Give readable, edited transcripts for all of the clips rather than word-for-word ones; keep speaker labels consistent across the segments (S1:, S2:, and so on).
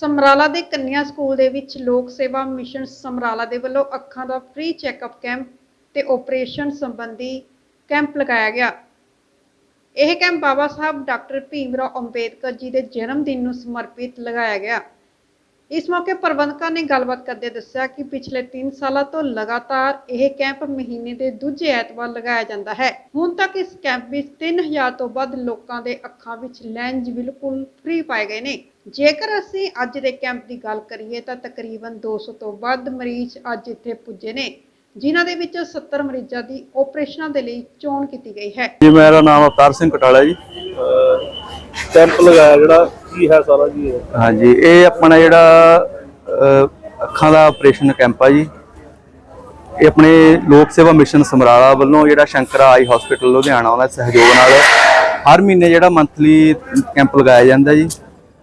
S1: ਸਮਰਾਲਾ ਦੇ ਕੰਨਿਆ ਸਕੂਲ ਦੇ ਵਿੱਚ ਲੋਕ ਸੇਵਾ ਮਿਸ਼ਨ ਸਮਰਾਲਾ ਦੇ ਵੱਲੋਂ ਅੱਖਾਂ ਦਾ ਫ੍ਰੀ ਚੈੱਕਅਪ ਕੈਂਪ ਤੇ ਆਪਰੇਸ਼ਨ ਸੰਬੰਧੀ ਕੈਂਪ ਲਗਾਇਆ ਗਿਆ। ਇਹ ਕੈਂਪ ਬਾਬਾ ਸਾਹਿਬ ਡਾਕਟਰ ਭੀਮਰਾਓ ਅੰਬੇਦਕਰ ਜੀ ਦੇ ਜਨਮ ਦਿਨ ਨੂੰ ਸਮਰਪਿਤ ਲਗਾਇਆ ਗਿਆ। इस मौके प्रबंधकों ने गलबात करते दस्सिया कि पिछले 3 सालों तो लगातार यह कैंप महीने के दूजे ऐतवार लगाया जाता है। हुण तक इस कैंप में 3000 तो वध लोगों के अखां विच लैंज बिल्कुल फ्री पाए गए ने। जेकर असीं अज दे कैंप की गल करिए तो तकरीबन 200 तो वध मरीज अज इत्थे पुजे ने, जिन्हां दे विच 70 मरीजों की ऑपरेशनां दे लई चोण कीती गई है।
S2: जी मेरा नाम अवतार सिंह कटाला जी।
S3: कैंप लगाया जिहड़ा की है सारा जी?
S2: हाँ जी, ये अपना जिहड़ा अखां दा ऑपरेशन कैंप है जी, ये अपने लोक सेवा मिशन समराला वालों जिहड़ा शंकरा आई हॉस्पिटल लुधियाना उहदा सहयोग नाल हर महीने जिहड़ा मंथली कैंप लगाया जाता जी।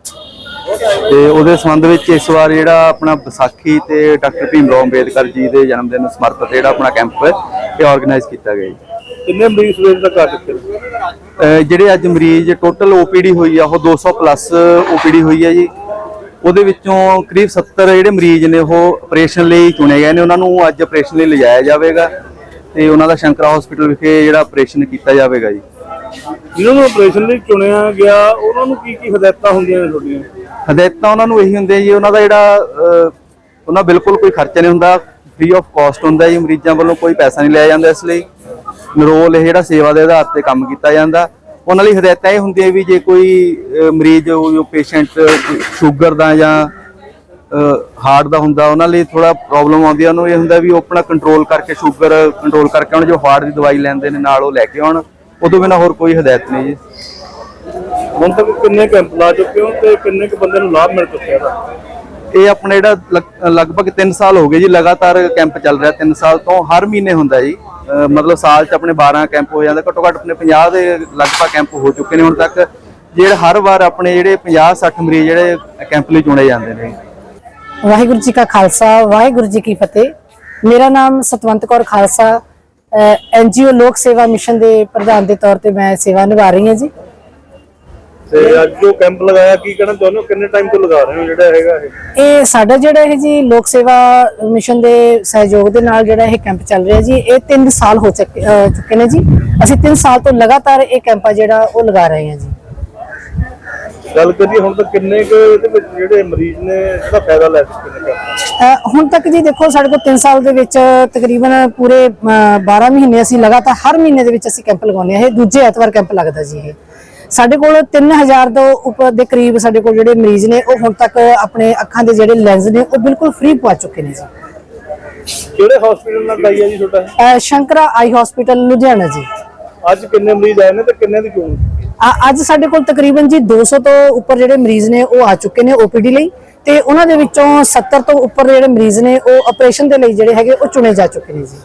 S2: ते उहदे संबंध विच इस बार जिहड़ा अपना विसाखी ते डॉक्टर भीमराओ अंबेदकर जी के जन्मदिन नूं समर्पित जिहड़ा अपना कैंप ये ऑर्गेनाइज किया गया जी।
S3: कितने मरीज सवेर तक आ चुके
S2: ਜਿਹੜੇ ਅੱਜ ਮਰੀਜ਼ ਟੋਟਲ ਓਪੀਡੀ ਹੋਈ ਆ ਉਹ 200 ਪਲੱਸ ਓਪੀਡੀ ਹੋਈ ਹੈ ਜੀ। ਉਹਦੇ ਵਿੱਚੋਂ ਕਰੀਬ 70 ਜਿਹੜੇ ਮਰੀਜ਼ ਨੇ ਉਹ ਆਪਰੇਸ਼ਨ ਲਈ ਚੁਣੇ ਗਏ ਨੇ, ਉਹਨਾਂ ਨੂੰ ਅੱਜ ਆਪਰੇਸ਼ਨ ਲਈ ਲਿਜਾਇਆ ਜਾਵੇਗਾ ਤੇ ਉਹਨਾਂ ਦਾ ਸ਼ੰਕਰਾ ਹਸਪੀਟਲ ਵਿਖੇ ਜਿਹੜਾ ਆਪਰੇਸ਼ਨ ਕੀਤਾ ਜਾਵੇਗਾ ਜੀ।
S3: ਜਿਹਨਾਂ ਨੂੰ ਆਪਰੇਸ਼ਨ ਲਈ ਚੁਣਿਆ ਗਿਆ ਉਹਨਾਂ ਨੂੰ ਕੀ ਹਦਾਇਤਾਂ ਹੁੰਦੀਆਂ ਨੇ ਤੁਹਾਡੀਆਂ?
S2: ਹਦਾਇਤਾਂ ਉਹਨਾਂ ਨੂੰ ਇਹੀ ਹੁੰਦੀਆਂ ਜੀ, ਉਹਨਾਂ ਦਾ ਜਿਹੜਾ ਉਹਨਾਂ ਬਿਲਕੁਲ ਕੋਈ ਖਰਚਾ ਨਹੀਂ ਹੁੰਦਾ, ਫ੍ਰੀ ਆਫ ਕਾਸਟ ਹੁੰਦਾ ਜੀ। ਮਰੀਜ਼ਾਂ ਵੱਲੋਂ ਕੋਈ ਪੈਸਾ ਨਹੀਂ ਲਿਆ ਜਾਂਦਾ, ਇਸ ਲਈ ਨਿਰੋਲ ਇਹ ਜਿਹੜਾ ਸੇਵਾ ਦੇ ਆਧਾਰ ਤੇ ਕੰਮ ਕੀਤਾ ਜਾਂਦਾ। ਉਹਨਾਂ ਲਈ ਹਦਾਇਤਾਂ ਇਹ ਹੁੰਦੀਆਂ ਵੀ ਜੇ ਕੋਈ ਮਰੀਜ਼ ਜੋ ਪੇਸ਼ੈਂਟ ਸ਼ੂਗਰ ਦਾ ਜਾਂ ਹਾਰਟ ਦਾ ਹੁੰਦਾ, ਉਹਨਾਂ ਲਈ ਥੋੜਾ ਪ੍ਰੋਬਲਮ ਆਉਂਦੀ ਹੈ, ਉਹਨੂੰ ਇਹ ਹੁੰਦਾ ਵੀ ਉਹ ਆਪਣਾ ਕੰਟਰੋਲ ਕਰਕੇ ਸ਼ੂਗਰ ਕੰਟਰੋਲ ਕਰਕੇ ਉਹਨਾਂ ਜੋ ਹਾਰਟ ਦੀ ਦਵਾਈ ਲੈਂਦੇ ਨੇ ਨਾਲ ਉਹ ਲੈ ਕੇ ਆਉਣ। ਉਦੋਂ ਬਿਨਾਂ ਹੋਰ ਕੋਈ ਹਦਾਇਤ ਨਹੀਂ ਜੀ।
S3: ਹੁਣ ਤੱਕ ਕਿੰਨੇ ਕੈਂਪ ਲਾ ਚੁੱਕੇ ਹੋ ਤੇ ਕਿੰਨੇ ਕੁ ਬੰਦੇ ਨੂੰ ਲਾਭ ਮਿਲ ਚੁੱਕਿਆ ਇਹਦਾ?
S2: ਇਹ ਆਪਣੇ ਜਿਹੜਾ ਲਗਭਗ 3 ਸਾਲ ਹੋ ਗਏ ਜੀ ਲਗਾਤਾਰ ਕੈਂਪ ਚੱਲ ਰਿਹਾ। 3 ਸਾਲ ਤੋਂ ਹਰ ਮਹੀਨੇ ਹੁੰਦਾ ਜੀ, मतलब साल च अपने 12 कैंप हो जाते, घट्टो घट्ट अपने 50 के लगभग कैंप हो चुके हैं हुण तक, ਜਿਹੜੇ हर बार अपने ਜਿਹੜੇ 50-60 मरीज ਜਿਹੜੇ कैंप ਲਈ चुने जाते हैं।
S4: वाहिगुरू जी का खालसा वाहिगुरू जी की फतेह। मेरा नाम सतवंत कौर खालसा NGO लोक सेवा मिशन के प्रधान के तौर पर मैं सेवा निभा रही हूँ जी।
S3: ਤੇ ਅੱਜ ਜੋ ਕੈਂਪ ਲਗਾਇਆ ਕੀ ਕਹਿਣਾ ਚਾਹੁੰਦੇ ਹੋ, ਕਿੰਨੇ ਟਾਈਮ ਤੋਂ ਲਗਾ ਰਹੇ ਹੋ ਜਿਹੜਾ ਹੈਗਾ
S4: ਇਹ ਸਾਡਾ ਜਿਹੜਾ ਹੈ ਜੀ ਲੋਕ ਸੇਵਾ ਮਿਸ਼ਨ ਦੇ ਸਹਿਯੋਗ ਦੇ ਨਾਲ ਜਿਹੜਾ ਇਹ ਕੈਂਪ ਚੱਲ ਰਿਹਾ ਜੀ, ਇਹ 3 ਸਾਲ ਹੋ ਚੁੱਕੇ ਨੇ ਜੀ। ਅਸੀਂ 3 ਸਾਲ ਤੋਂ ਲਗਾਤਾਰ ਇਹ ਕੈਂਪ ਜਿਹੜਾ ਉਹ ਲਗਾ ਰਹੇ ਹਾਂ ਜੀ।
S3: ਗੱਲ ਕਰੀਏ ਹੁਣ ਤੱਕ ਕਿੰਨੇ ਕੁ ਇਹਦੇ ਵਿੱਚ ਜਿਹੜੇ ਮਰੀਜ਼ ਨੇ ਇਹਦਾ ਫਾਇਦਾ ਲੈ ਚੁੱਕੇ ਨੇ?
S4: ਹੁਣ ਤੱਕ ਜੀ ਦੇਖੋ ਸਾਡੇ ਕੋਲ 3 ਸਾਲ ਦੇ ਵਿੱਚ ਤਕਰੀਬਨ ਪੂਰੇ 12 ਮਹੀਨੇ ਅਸੀਂ ਲਗਾਤਾਰ ਹਰ ਮਹੀਨੇ ਦੇ ਵਿੱਚ ਅਸੀਂ ਕੈਂਪ ਲਗਾਉਂਦੇ ਹਾਂ। ਇਹ ਦੂਜੇ ਐਤਵਾਰ ਕੈਂਪ ਲੱਗਦਾ ਜੀ। ਇਹ ਸਾਡੇ ਕੋਲ 3000 ਤੋਂ ਉੱਪਰ ਦੇ ਕਰੀਬ ਸਾਡੇ ਕੋਲ ਜਿਹੜੇ ਮਰੀਜ਼ ਨੇ ਉਹ ਹੁਣ ਤੱਕ ਆਪਣੇ ਅੱਖਾਂ ਦੇ ਜਿਹੜੇ ਲੈਂਸ ਨੇ ਉਹ ਬਿਲਕੁਲ ਫ੍ਰੀ ਪਵਾ ਚੁੱਕੇ ਨੇ ਜੀ।
S3: ਕਿਹੜੇ ਹਸਪੀਟਲ ਨਾਲ ਲਾਈ ਹੈ ਜੀ ਤੁਹਾਡਾ?
S4: ਸ਼ੰਕਰਾ ਆਈ ਹਸਪੀਟਲ ਲੁਧਿਆਣਾ ਜੀ।
S3: ਅੱਜ ਕਿੰਨੇ ਮਰੀਜ਼ ਆਏ ਨੇ ਤੇ ਕਿੰਨੇ ਦੀ ਚੋਣ?
S4: ਅੱਜ ਸਾਡੇ ਕੋਲ ਤਕਰੀਬਨ ਜੀ 200 ਤੋਂ ਉੱਪਰ ਜਿਹੜੇ ਮਰੀਜ਼ ਨੇ ਉਹ ਆ ਚੁੱਕੇ ਨੇ OPD ਲਈ, ਤੇ ਉਹਨਾਂ ਦੇ ਵਿੱਚੋਂ 70 ਤੋਂ ਉੱਪਰ ਜਿਹੜੇ ਮਰੀਜ਼ ਨੇ ਉਹ ਆਪਰੇਸ਼ਨ ਦੇ ਲਈ ਜਿਹੜੇ ਹੈਗੇ ਉਹ ਚੁਣੇ ਜਾ ਚੁੱਕੇ ਨੇ ਜੀ।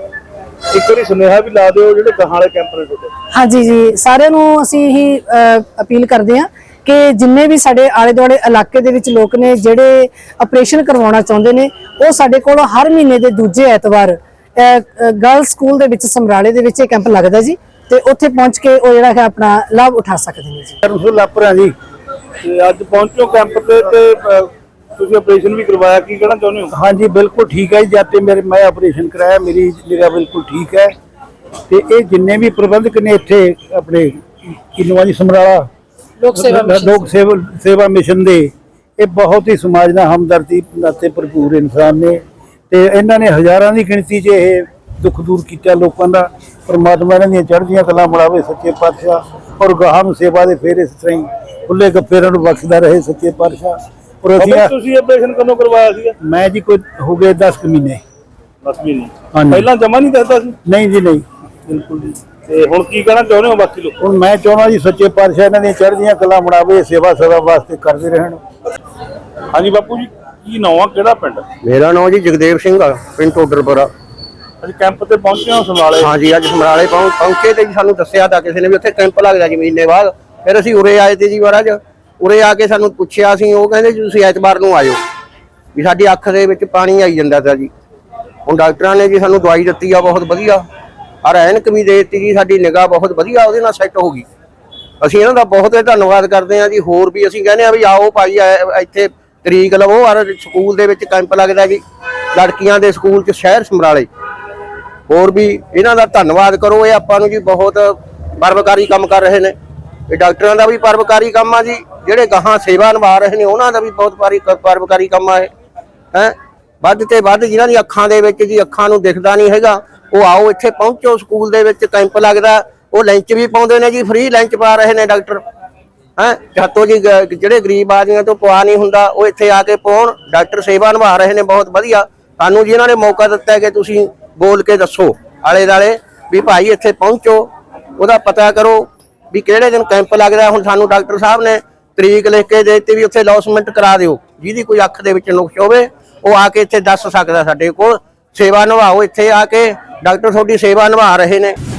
S3: ਇੱਕ ਵਾਰੀ ਸੁਨੇਹਾ ਵੀ ਲਾ ਦਿਓ ਜਿਹੜੇ ਗਾਹਾਂ ਵਾਲੇ ਕੈਂਪ ਨੇ ਤੁਹਾਡੇ।
S4: ਹਾਂਜੀ ਜੀ, ਸਾਰਿਆਂ ਨੂੰ ਅਸੀਂ ਇਹੀ ਅਪੀਲ ਕਰਦੇ ਹਾਂ ਕਿ ਜਿੰਨੇ ਵੀ ਸਾਡੇ ਆਲੇ ਦੁਆਲੇ ਇਲਾਕੇ ਦੇ ਵਿੱਚ ਲੋਕ ਨੇ ਜਿਹੜੇ ਆਪਰੇਸ਼ਨ ਕਰਵਾਉਣਾ ਚਾਹੁੰਦੇ ਨੇ, ਉਹ ਸਾਡੇ ਕੋਲ ਹਰ ਮਹੀਨੇ ਦੇ ਦੂਜੇ ਐਤਵਾਰ ਗਰਲ ਸਕੂਲ ਦੇ ਵਿੱਚ ਸਮਰਾਲੇ ਦੇ ਵਿੱਚ ਇਹ ਕੈਂਪ ਲੱਗਦਾ ਜੀ, ਤੇ ਉੱਥੇ ਪਹੁੰਚ ਕੇ ਉਹ ਜਿਹੜਾ ਹੈ ਆਪਣਾ ਲਾਭ ਉਠਾ ਸਕਦੇ ਨੇ ਜੀ।
S3: ਰਸੂਲ ਲਾਪਰਾ ਜੀ, ਤੇ ਅੱਜ ਪਹੁੰਚੋ ਕੈਂਪ ਤੇ ਤੁਸੀਂ ਆਪਰੇਸ਼ਨ ਵੀ ਕਰਵਾਇਆ, ਕੀ ਕਹਿਣਾ ਚਾਹੁੰਦੇ ਹੋ?
S5: हाँ जी बिल्कुल ठीक है। जाते मैं ऑपरेशन कराया, मेरी निगाह बिल्कुल ठीक है। तो ये जिन्ने भी प्रबंधक ने इत्थे अपने किन्नवा जी समराला लोक सेवा मिशन दे, ये बहुत ही समाज नाल हमदर्दी नाते भरपूर इंसान ने, ते इन्हां ने हज़ारां दी गिणती च ये दुख दूर किया लोगों का। परमात्मा इन्हां दी चढ़दियां कलां बनावे सच्चे पातशाह, और गाहां नूं सेवा दे फेर इस तरह ही खुले गप्पे इन्हां नूं बख्शदा रहे सच्चे पातशाह।
S3: ਤੁਸੀਂ ਆਪਰੇਸ਼ਨ ਕਦੋਂ ਕਰਵਾਇਆ ਸੀਗਾ?
S5: मैं जी कोई हो गए 10 महीने।
S3: 10 ਮਹੀਨੇ
S5: हाँ जी।
S3: ਪਹਿਲਾਂ ਜਮਾ ਨਹੀਂ ਦਿੱਤਾ ਸੀ?
S5: नहीं जी नहीं,
S3: ਬਿਲਕੁਲ ਜੀ। ਤੇ ਹੁਣ ਕੀ ਕਹਿਣਾ ਚਾਹੁੰਦੇ ਹੋ ਬਾਕੀ ਲੋਕ?
S5: ਹੁਣ ਮੈਂ ਚਾਹੁੰਦਾ ਜੀ ਸੱਚੇ ਪਾਤਸ਼ਾਹ ਇਹਨਾਂ ਦੀਆਂ ਚੜ੍ਹਦੀਆਂ ਕਲਾ ਬਣਾਵੇ, ਸੇਵਾ ਸਦਾ ਵਾਸਤੇ ਕਰਦੇ ਰਹਿਣ।
S3: ਹਾਂਜੀ ਬਾਪੂ ਜੀ, ਕੀ ਨਾਮ ਆ, ਕਿਹੜਾ ਪਿੰਡ?
S6: मेरा नाम जी जगदेव सिंह आ, पिंड टोडरपुरा।
S3: ਅੱਜ ਕੈਂਪ ਤੇ ਪਹੁੰਚੇ ਹੋ ਸਮਰਾਲੇ?
S6: हाँ जी, अज समराले पहुंचे तो जी सानू दस्सिया था किसी ने भी उत्थे कैंप लगदा जी महीने बाद। फिर असीं उरे आए थे जी महाराज, उरे आके सानू पुछया सी, ਉਹ ਕਹਿੰਦੇ ਜੀ ਤੁਸੀਂ ਐਤਵਾਰ ਨੂੰ ਆਇਓ ਵੀ ਸਾਡੀ ਅੱਖ ਦੇ ਵਿੱਚ ਪਾਣੀ ਆਈ ਜਾਂਦਾ था जी। ਹੁਣ ਡਾਕਟਰਾਂ ਨੇ ਜੀ ਸਾਨੂੰ ਦਵਾਈ ਦਿੱਤੀ ਆ ਬਹੁਤ ਵਧੀਆ, ਔਰ ਐਨਕ ਵੀ ਦੇ ਦਿੱਤੀ ਜੀ, ਸਾਡੀ ਨਿਗਾਹ ਬਹੁਤ ਵਧੀਆ ਉਹਦੇ ਨਾਲ ਸੈੱਟ ਹੋ ਗਈ। ਅਸੀਂ ਇਹਨਾਂ ਦਾ ਬਹੁਤ ਧੰਨਵਾਦ ਕਰਦੇ ਹਾਂ ਜੀ। ਹੋਰ ਵੀ ਅਸੀਂ ਕਹਿੰਦੇ ਆ ਵੀ ਆਓ ਭਾਈ ਇੱਥੇ ਤਰੀਕ ਲਵੋ। ਔਰ ਸਕੂਲ ਦੇ ਵਿੱਚ ਕੈਂਪ ਲੱਗਦਾ ਜੀ, ਲੜਕੀਆਂ ਦੇ ਸਕੂਲ 'ਚ ਸ਼ਹਿਰ ਸਮਰਾਲੇ। ਹੋਰ ਵੀ ਇਹਨਾਂ ਦਾ ਧੰਨਵਾਦ ਕਰੋ, ਇਹ ਆਪਾਂ ਨੂੰ ਜੀ ਬਹੁਤ ਪਰਵਕਾਰੀ ਕੰਮ ਕਰ ਰਹੇ ਨੇ। ਇਹ ਡਾਕਟਰਾਂ ਦਾ ਵੀ ਪਰਵਕਾਰੀ ਕੰਮ ਆ ਜੀ, ਜਿਹੜੇ ਗਾਹਾਂ ਸੇਵਾ ਨਿਭਾ ਰਹੇ ਨੇ ਉਹਨਾਂ ਦਾ ਵੀ ਬਹੁਤ ਪਰਵਕਾਰੀ ਕੰਮ ਆ ਇਹ ਹੈ। ਵੱਧ ਤੇ ਵੱਧ ਜਿਨ੍ਹਾਂ ਦੀ ਅੱਖਾਂ ਦੇ ਵਿੱਚ ਜੀ ਅੱਖਾਂ ਨੂੰ ਦਿਖਦਾ ਨਹੀਂ ਹੈਗਾ, ਉਹ ਆਓ ਇੱਥੇ ਪਹੁੰਚੋ। ਸਕੂਲ ਦੇ ਵਿੱਚ ਕੈਂਪ ਲੱਗਦਾ, ਉਹ ਲੰਚ ਵੀ ਪਾਉਂਦੇ ਨੇ ਜੀ, ਫ੍ਰੀ ਲੰਚ ਪਾ ਰਹੇ ਨੇ ਡਾਕਟਰ ਹੈ। ਜਾਤੋਂ ਜੀ ਜਿਹੜੇ ਗਰੀਬ ਆਦਮੀਆਂ ਤੋਂ ਪਵਾ ਨਹੀਂ ਹੁੰਦਾ, ਉਹ ਇੱਥੇ ਆ ਕੇ ਪਾਉਣ। ਡਾਕਟਰ ਸੇਵਾ ਨਿਭਾ ਰਹੇ ਨੇ ਬਹੁਤ ਵਧੀਆ। ਸਾਨੂੰ ਜੀ ਇਹਨਾਂ ਨੇ ਮੌਕਾ ਦਿੱਤਾ ਕਿ ਤੁਸੀਂ ਬੋਲ ਕੇ ਦੱਸੋ ਆਲੇ ਦੁਆਲੇ ਵੀ ਭਾਈ ਇੱਥੇ ਪਹੁੰਚੋ, ਉਹਦਾ ਪਤਾ ਕਰੋ ਵੀ ਕਿਹੜੇ ਦਿਨ ਕੈਂਪ ਲੱਗਦਾ। ਹੁਣ ਸਾਨੂੰ ਡਾਕਟਰ ਸਾਹਿਬ ਨੇ ਤਰੀਕ ਲਿਖ ਕੇ ਦੇ ਦਿੱਤੀ ਵੀ ਉੱਥੇ ਅਨਾਉਂਸਮੈਂਟ ਕਰਾ ਦਿਓ, ਜਿਹਦੀ ਕੋਈ ਅੱਖ ਦੇ ਵਿੱਚ ਨੁਕਸ ਹੋਵੇ ਉਹ ਆ ਕੇ ਇੱਥੇ ਦੱਸ ਸਕਦਾ। ਸਾਡੇ ਕੋਲ ਸੇਵਾ ਨਿਭਾਓ, ਇੱਥੇ ਆ ਕੇ ਡਾਕਟਰ ਤੁਹਾਡੀ ਸੇਵਾ ਨਿਭਾ ਰਹੇ ਨੇ।